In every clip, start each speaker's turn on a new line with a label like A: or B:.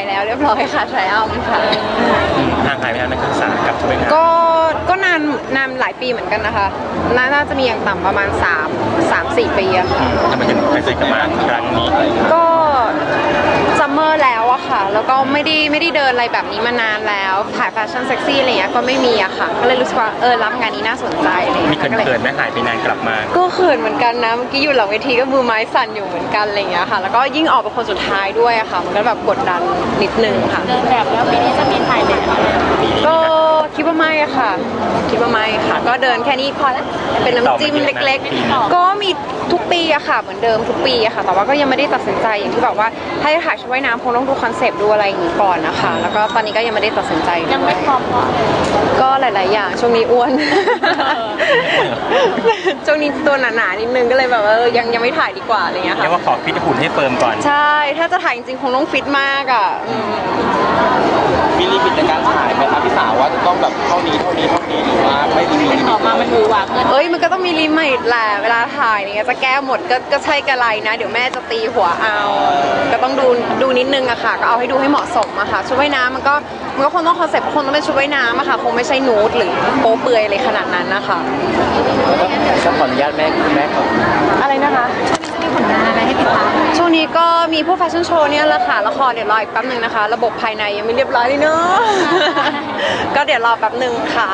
A: ายแล้วเรียบร้อยค่ะทรายอัลค่ะ
B: ห่างหายไปนานนักศึกษากับชุดว่ายน้
A: ก็นานหลายปีเหมือนกันนะคะน่าจะมีอย่างต่ำประมาณ3-4 ปีอะค่ะ
B: ำทำไมถึงไปซื้อกลับมาครั้งนี้
A: ก็ซัมเมอร์แล้วอะค่ะแล้วก็ไม่ได้เดินอะไรแบบนี้มานานแล้วถ่ายแฟชั่นเซ็กซี่อะไรเงี้ยก็ไม่มีอะค่ะก็เลยรู้สึกว่ารับงานนี้น่าสนใจเลย
B: มีเขินๆไหมหายไปนานกลับมา
A: ก็เขินเหมือนกันนะเมื่อกี้อยู่หลังเวทีก็มือไม้สั่นอยู่เหมือนกันอะไรเงี้ยค่ะแล้วก็ยิ่งออกเป็นคนสุดท้ายด้วยอะค่ะมันก็แบบกดดันนิดนึงค่ะ
C: เดินแบบแล้วปีนี้จะมีถ่ายแบบ
A: ก็คิดว่าไม่อะค่ะคิดว่าไม่ค่ะก็เดินแค่นี้พอแล้วเป็นน้ำจิ้มเล็กๆก็มีทุกปีอะค่ะเหมือนเดิมทุกปีอะค่ะแต่ว่าก็ยังไม่ได้ตัดสินใจอย่างที่บอกว่าถ้าจะถ่ายชุดว่ายน้ำคงต้องดูคอนเซปต์ดูอะไรอย่างนี้ก่อนนะคะแล้วก็ตอนนี้ก็ยังไม่ได้ตัดสินใจ
C: ยังไม่พร้อม
A: ก็หลายๆอย่างช่วงนี้อ้วนช่วงนี้ตัวหนาๆนิดนึงก็เลยแบบยังไม่ถ่ายดีกว่าอะไรเงี้ยค่ะ
B: เรียกว่าขอฟิตหุ่นให้เฟิร์มก่อน
A: ใช่ถ้าจะถ่ายจริงๆคงต้องฟิตมากอะ
D: มีลิมิตในการถ่ายไหมครับพี่สาวว่าจะต้องแบบเท่านี้หรือว่าไม่มีลิมิต
C: ออกมามันหวือหวาเกิน
A: มันก็ต้องมีลิมิตแหละเวลาถ่ายเนี่ยจะแก้หมดก็ใช่กระไรนะเดี๋ยวแม่จะตีหัวเอาก็ต้องดูนิดนึงอะค่ะก็เอาให้ดูให้เหมาะสมอะค่ะชุดว่ายน้ำมันก็คงต้องคอนเซ็ปต์คงต้องเป็นชุดว่ายน้ำอะค่ะคงไม่ใช่นูดหรือโป๊เปลือยอะไรขนาดนั้นนะคะ
D: ก็ขออนุญาตแม่ก่อน
A: อะไรนะคะ
C: มีผลงานอะไรให้ติดตาม
A: ช่วงนี้ก็มีพวกแฟชั่นโชว์เนี่ยแหละค่ะละครเดี๋ยวรออีกแป๊บนึงนะคะระบบภายในยังไม่เรียบร้อยเลยเนาะก็เดี๋ยวรอแป๊บนึงค่ะ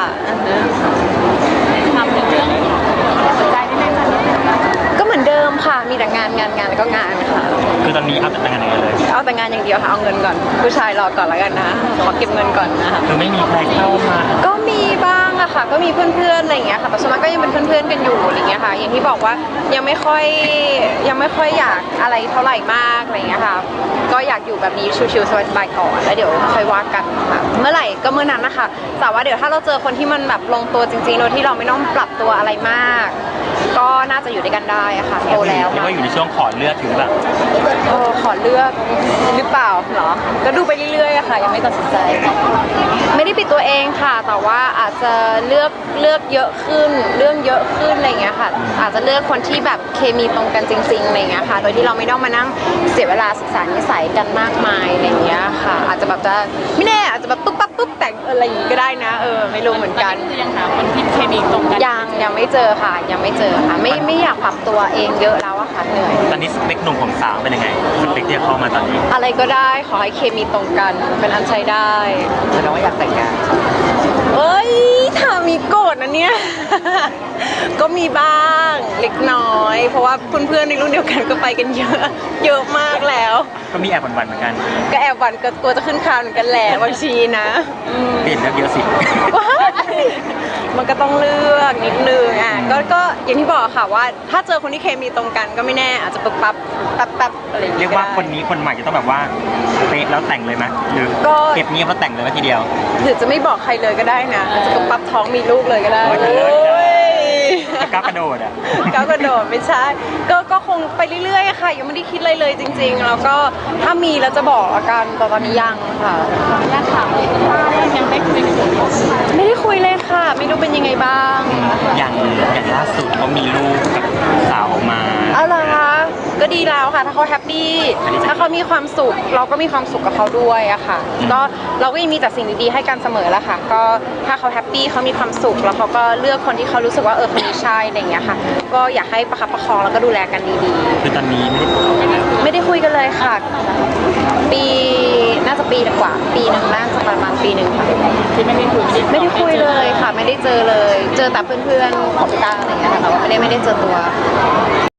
C: ทำถึงเรื่องสนใจนิดนึง
A: ก็เหมือนเดิมค่ะมีแต่งานแล้วก็งานค่ะ
B: คือตอนนี้เอาแต่งานอย่างเดียวเลย
A: เอาแต่งานอย่างเดียวค่ะเอาเงินก่อนผู้ชายรอก่อนแล้วกันนะขอเก็บเงินก่อนนะคะ
B: คือไม่มีใครเข้ามา
A: ก็มีบ้างอะค่ะก็มีเพื่อนๆอะไรอย่างเงี้ยค่ะแต่ส่วนมากก็ยังเป็นเพื่อนๆกันอยู่อะไรเงี้ยค่ะอย่างที่บอกว่ายังไม่ค่อยอยากอะไรเท่าไหร่มากอะไรเงี้ยค่ะก็อยากอยู่แบบนี้ชิวๆสบายๆก่อนแล้วเดี๋ยวค่อยว่ากันค่ะเมื่อไหร่ก็เมื่อนั้นนะคะแต่ว่าเดี๋ยวถ้าเราเจอคนที่มันแบบลงตัวจริงๆโดยที่เราไม่ต้องปรับตัวอะไรมากก็น่าจะอยู่ด้วยกันได้อะค่ะโตแล้ว
B: เรียกว่าอยู่ในช่วงขอเลือกถึงแบบ
A: ขอเลือกหรือเปล่าเหรอก็ดูไปเรื่อยๆอะค่ะยังไม่ตัดสินใจไม่ได้ปิดตัวเองค่ะแต่ว่าอาจจะเลือกเยอะขึ้นเรื่องเยอะขึ้นอะไรเงี้ยค่ะอาจจะเลือกคนที่แบบเคมีตรงกันจริงๆอะไรเงี้ยค่ะโดยที่เราไม่ต้องมานั่งเสียเวลาศึกษานิสัยกันมากมายอะไรเงี้ยค่ะอาจจะแบบจะไม่แน่อาจจะแบบปุ๊บปั๊บปุ๊บแต่งอะไรอย่างงี้ก็ได้นะไม่รู้เหมือนกัน
C: คือยังหาคนที่เคมีตรงกัน
A: ยังไม่เจอค่ะยังไม่เจอค่ะไม่อยากปรับตัวเองเยอะแล้วอะค่ะเหนื่อย
B: ตอนนี้สเปคหนุ่มของสาวเป็นยังไงสเปคที่จะเข้ามาตอนนี้
A: อะไรก็ได้ขอให้เคมีตรงกันเป็นอันใช้ได้
D: แสดงว่าอยากแต่งงาน
A: ถามมีโกรธนะเนี่ยก็มีบ้างเล็กน้อยเพราะว่าเพื่อนๆในรุ่นเดียวกันก็ไปกันเยอะมากแล้ว
B: ก็มีแอบหวั่นๆเหมือนกัน
A: ก็แอบหวั่นก็กลัวจะขึ้นคานเหมือนกันแหละบางทีนะ
B: เปลี่ยนเลือกเยอะสิ
A: มันก็ต้องเลือกนิดนึงก็อย่างที่บอกค่ะว่าถ้าเจอคนที่เคมีตรงกันก็ไม่แน่อาจจะปั๊บอะไรอย่างเงี้ย
B: เรียกว่าคนนี้คนใหม่จะต้องแบบว่าเป๊ะแล้วแต่งเลยไหมหรือเก็บเงียบแล้วแต่งเลยทีเดียว
A: หรือจะไม่บอกใครเลยก็ได้นะอาจจะปั๊บท้องมีลูกเลยก็ได้
B: ก้าวกระโดด
A: ก้าวกระโดดไม่ใช่ก็คงไปเรื่อยๆค่ะยังไม่ได้คิดอะไรเลยจริงๆแล้วก็ถ้ามีแล้วจะบอกอาการตอนนี้ยังค่ะ
C: ยังถามยังไม่คุย
A: ไม่ได้คุยเลยค่ะไม่รู้เป็นยังไงบ้าง
B: อย่างล่าสุดเขามีลูกกับสาวมา
A: อะไรคะก็ดีแล้วค่ะถ้าเขาแฮปปี้ถ้าเขามีความสุขเราก็มีความสุขกับเขาด้วยอะค่ะก็เราก็ยังมีแต่สิ่งดีๆให้กันเสมอละค่ะก็ถ้าเขาแฮปปี้เขามีความสุขแล้วเขาก็เลือกคนที่เขารู้สึกว่าคนนี้ใช่อะไรอย่างเงี้ยค่ะก็อยากให้ประคับประคองแล้วก็ดูแลกันดี
B: ๆคือตอนนี้
A: ไม่ได้คุยกันเลยค่ะปีน่าจะปีกว่าปีนึงน่าจะประมาณปีนึงค่ะ
C: ที่ไม่ได้
A: คุยเลยค่ะไม่ได้เจอเลยเจอแต่เพื่อนๆของพี่ต้าอะไรอย่างเงี้ยค่ะแต่ว่าไม่ได้เจอตัว